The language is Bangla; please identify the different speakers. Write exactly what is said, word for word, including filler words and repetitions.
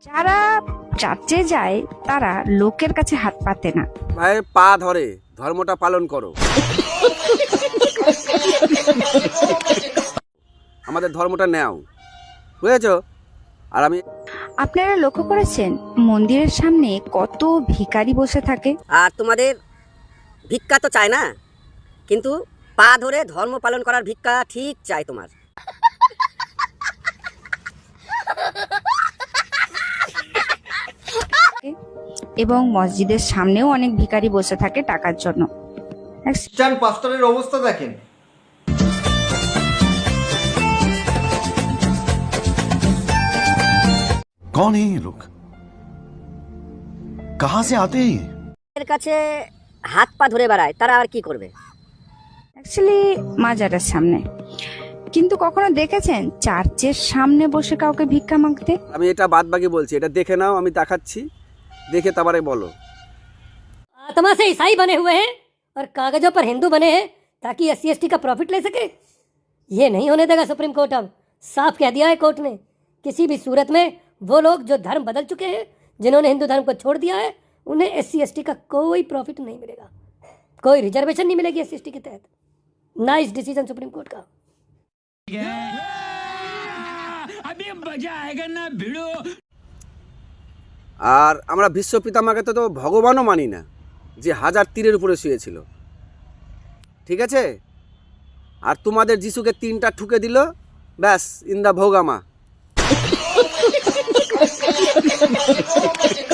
Speaker 1: যারা চার্চে যায় তারা লোকের কাছে হাত পাতে না,
Speaker 2: ভাই পা ধরে ধর্মটা পালন করো। আমাদের ধর্মটা নেও, বুঝেছো? আর আমি
Speaker 1: আপনারা লক্ষ্য করেছেন মন্দিরের সামনে কত ভিখারি বসে থাকে?
Speaker 3: আর তোমাদের ভিক্ষা তো চায় না, কিন্তু পা ধরে ধর্ম পালন করার ভিক্ষা ঠিক চাই তোমার।
Speaker 1: এবং মসজিদের সামনেও অনেক ভিখারি বসে থাকে টাকার জন্য।
Speaker 4: খ্রিস্টান পাস্টরের অবস্থা দেখেন।
Speaker 5: कौन है ये लोग? कहां से आते हैं ये?
Speaker 3: এর কাছে হাত পা ধরে বেড়ায়, তারা আর কি করবে?
Speaker 1: অ্যাকচুয়ালি মাজারের সামনে। কিন্তু কখনো দেখেছেন চার্চের সামনে বসে কাউকে ভিক্ষা মাগতে?
Speaker 2: আমি এটা বাদ বাকি বলছি, এটা দেখে নাও, আমি দেখাচ্ছি, দেখে তারপরে বলো।
Speaker 6: आत्मा से ईसाई बने हुए हैं और कागजों पर हिंदू बने हैं ताकि एस सी एस टी का प्रॉफिट ले सके। ये नहीं होने देगा सुप्रीम कोर्ट। अब साफ कह दिया है कोर्ट ने, किसी भी सूरत में वो लोग जो धर्म बदल चुके हैं, जिन्होंने हिंदू धर्म को छोड़ दिया है, उन्हें एस सी एस टी का कोई प्रॉफिट नहीं मिलेगा, कोई रिजर्वेशन नहीं मिलेगी एस सी एस टी के तहत। नाइस डिसीजन सुप्रीम कोर्ट का।
Speaker 7: अभी मजा आएगा ना भिड़ो।
Speaker 2: আর আমরা বিশ্ব পিতামাকে তো ভগবানও মানি না, যে হাজার তীরের উপরে শুয়েছিল, ঠিক আছে? আর তোমাদের যিশুকে তিনটা ঠুকে দিল, ব্যাস ইন দা ভোগামা।